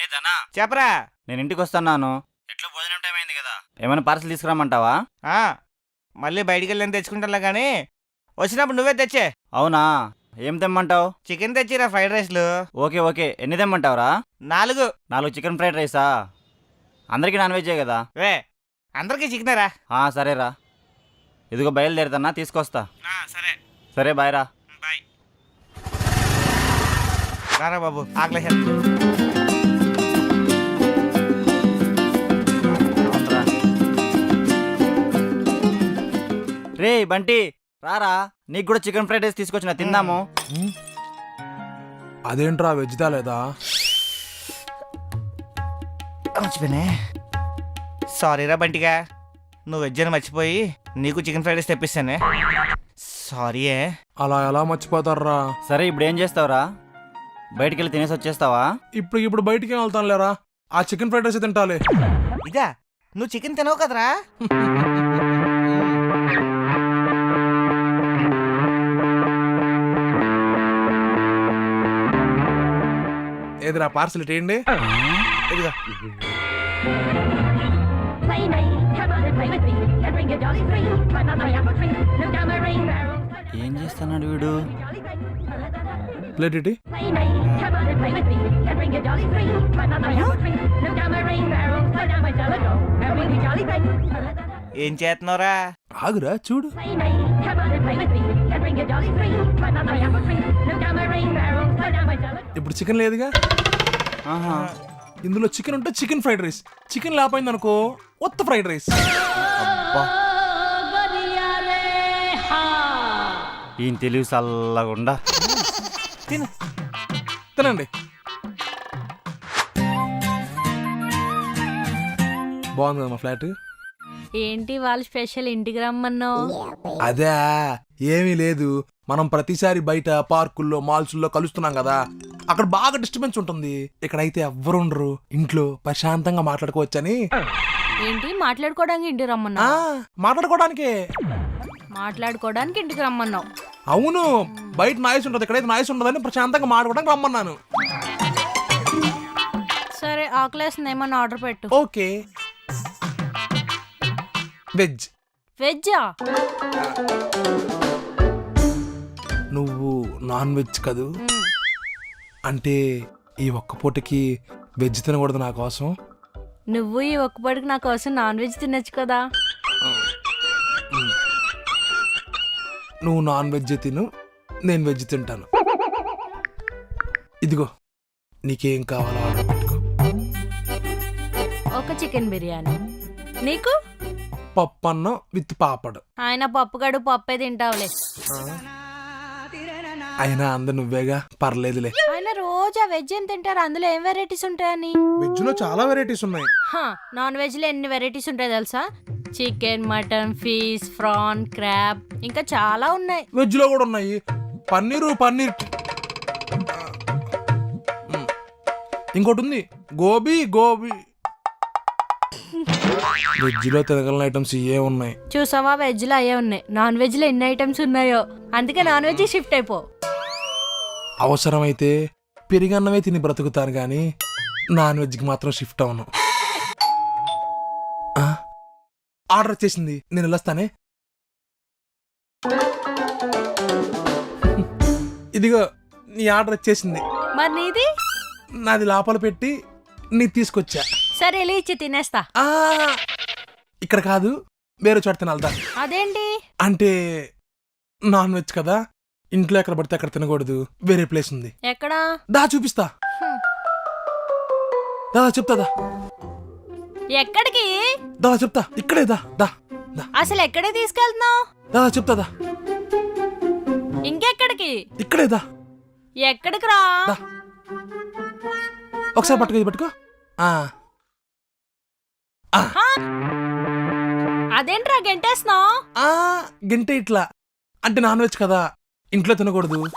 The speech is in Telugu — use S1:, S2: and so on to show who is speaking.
S1: రే ధనా,
S2: చెప్పరా.
S1: నేను ఇంటికి వస్తున్నాను. ఎట్లా భోజనం టైం అయింది కదా, ఏమైనా పార్సల్ తీసుకురామంటావా?
S2: మళ్ళీ బయటికి వెళ్ళని తెచ్చుకుంటా కానీ వచ్చినప్పుడు నువ్వే తెచ్చే.
S1: అవునా, ఏం తెమ్మంటావు?
S2: చికెన్ తెచ్చిరా, ఫ్రైడ్ రైస్లు.
S1: ఓకే ఓకే, ఎన్ని తెమ్మంటావురా?
S2: 4.
S1: 4 చికెన్ ఫ్రైడ్ రైసా? అందరికీ నాన్ వెజ్జే కదా?
S2: అందరికీ చికెనేరా.
S1: సరేరా, ఇదిగో బయలుదేరుతున్నా, తీసుకొస్తా.
S2: సరే
S1: సరే బాయ్ రా.
S2: బాయ్. రారా బాబు, ఆకలి.
S1: రే బంటి, రారా, నీకు కూడా చికెన్ ఫ్రైడ్ రైస్ తీసుకొచ్చిన, తిందాము.
S3: అదేంట్రా వెజ్ తాలేదా?
S2: మర్చిపోయినే. సారీరా బంటిగా, నువ్వు వెజ్ అని మర్చిపోయి నీకు చికెన్ ఫ్రైడ్ రైస్ తెప్పిస్తానే. సారీ.
S3: అలా ఎలా మర్చిపోతారా?
S1: సరే ఇప్పుడు ఏం చేస్తావురా? బయటికి వెళ్ళి తినేసి వచ్చేస్తావా?
S3: ఇప్పుడు బయటికి వెళ్తాను లేరా, ఆ చికెన్ ఫ్రైడ్ రైస్ తింటాలే.
S2: ఇదా, నువ్వు చికెన్ తినవు కదరా.
S3: ఏదిరా పార్సల్ ఇటేయండి.
S2: ఇదిగా.
S1: ఏం చేస్తున్నాడు వీడు?
S3: ప్లేట్ ఇటీ.
S2: ఏం చేస్తున్నావురా?
S3: ఆగురా చూడు. ఇప్పుడు చికెన్ లేదుగా.
S1: ఆహా,
S3: ఇందులో చికెన్ ఉంటే చికెన్ ఫ్రైడ్ రైస్, చికెన్ లేకపోయింది అనుకో ఉత్త ఫ్రైడ్ రైస్.
S1: అబ్బా, ఈయన తెలివి చల్లగుండా.
S3: తినండి. బాగుంది మా ఫ్లాట్.
S4: ఏంటి వాళ్ళ స్పెషల్, ఇంటికి రమ్మన్నావు?
S3: అదే ఏమీ లేదు, మనం ప్రతిసారి బయట పార్కుల్లో మాల్స్లో కలుస్తున్నాం కదా, అక్కడ బాగా డిస్టర్బెన్స్ ఉంటుంది. ఇక్కడైతే ఎవ్వరు ఉండరు, ఇంట్లో ప్రశాంతంగా మాట్లాడుకోవచ్చని.
S4: ఏంటి మాట్లాడుకోవడానికి ఇంటికి రమ్మన్నావు?
S3: మాట్లాడుకోవడానికే.
S4: మాట్లాడుకోవడానికి ఇంటికి రమ్మన్నావు?
S3: అవును, బయట నాయిస్ ఉంటుంది, ఇక్కడైతే నాయిస్ ఉండదని ప్రశాంతంగా మాట్లాడుకోవడానికి రమ్మన్నాను.
S4: సరే, ఆకలేస్తుంది, ఏమన్నా ఆర్డర్ పెట్టు.
S3: ఓకే. వెజ్.
S4: వెజ్జా?
S3: నువ్వు నాన్ వెజ్ కదూ, అంటే ఈ ఒక్క పూటకి వెజ్ తినకూడదు నా కోసం?
S4: నువ్వు ఈ ఒక్కపడికి నా కోసం నాన్ వెజ్ తినొచ్చు కదా.
S3: నువ్వు నాన్ వెజ్ తిను, నేను వెజ్ తింటాను. ఇదిగో, నీకేం కావాలో ఆర్డర్ పెట్టుకో.
S4: ఒక చికెన్ బిర్యానీ. నీకు?
S3: పప్పు అన్నం విత్ పాపడు.
S4: ఆయన పప్పుగాడు పప్పే తింటావులే.
S3: అయినా అంద నువ్వేగా, పర్లేదులే.
S4: ఆయన రోజా వెజ్ ఏం తింటారు, అందులో ఏం వెరైటీస్ ఉంటాయని?
S3: వెజ్ లో చాలా వెరైటీస్ ఉన్నాయి.
S4: నాన్ వెజ్ లో ఎన్ని వెరైటీస్ ఉంటాయి తెలుసా? Chicken, mutton, fish, prawn, crab, ఇంకా చాలా ఉన్నాయి.
S3: వెజ్ లో కూడా ఉన్నాయి. పన్నీర్. ఇంకోటి ఉంది, గోబీ. వెజ్ లో తినగలిగిన ఐటమ్స్ ఇవే ఉన్నాయి.
S4: చూసావా, వెజ్ లో అయ్యే ఉన్నాయి. నాన్ వెజ్ లో ఎన్ని ఐటమ్స్ ఉన్నాయో, అందుకే నాన్ వెజ్ షిఫ్ట్ అయిపో.
S3: అవసరమైతే పెరిగన్నమే తిని బ్రతుకుతాను గాని నాన్ వెజ్కి మాత్రం షిఫ్ట్ అవును. ఆర్డర్ వచ్చేసింది, నేను వెళ్ళొస్తానే. ఇదిగో నీ ఆర్డర్ వచ్చేసింది.
S4: మరి నీది?
S3: నాది లోపల పెట్టి నీ తీసుకొచ్చా.
S4: సరే, వెళ్ళి ఇచ్చి తినేస్తా.
S3: ఇక్కడ కాదు, వేరే చోట తినాలదా.
S4: అదేంటి?
S3: అంటే నాన్ వెజ్ కదా, ఇంట్లో ఎక్కడ పడితే అక్కడ తినకూడదు, వేరే ప్లేస్ ఉంది.
S4: ఎక్కడా?
S3: దా చూపిస్తా. దా చెప్తాదా.
S4: ఎక్కడికి?
S3: దా చెప్తా, ఇక్కడే దా.
S4: అసలు ఎక్కడికి తీసుకెళ్తున్నావు?
S3: దా చెప్తాదా.
S4: ఇంకెక్కడికి?
S3: ఇక్కడే దా.
S4: ఎక్కడికి రా?
S3: ఒకసారి పట్టుకో.
S4: అదేంట్రా గంటేస్తున్నావు?
S3: గంటే ఇట్లా అంటే నాన్ వెజ్ కదా, ఇంట్లో తినకూడదు,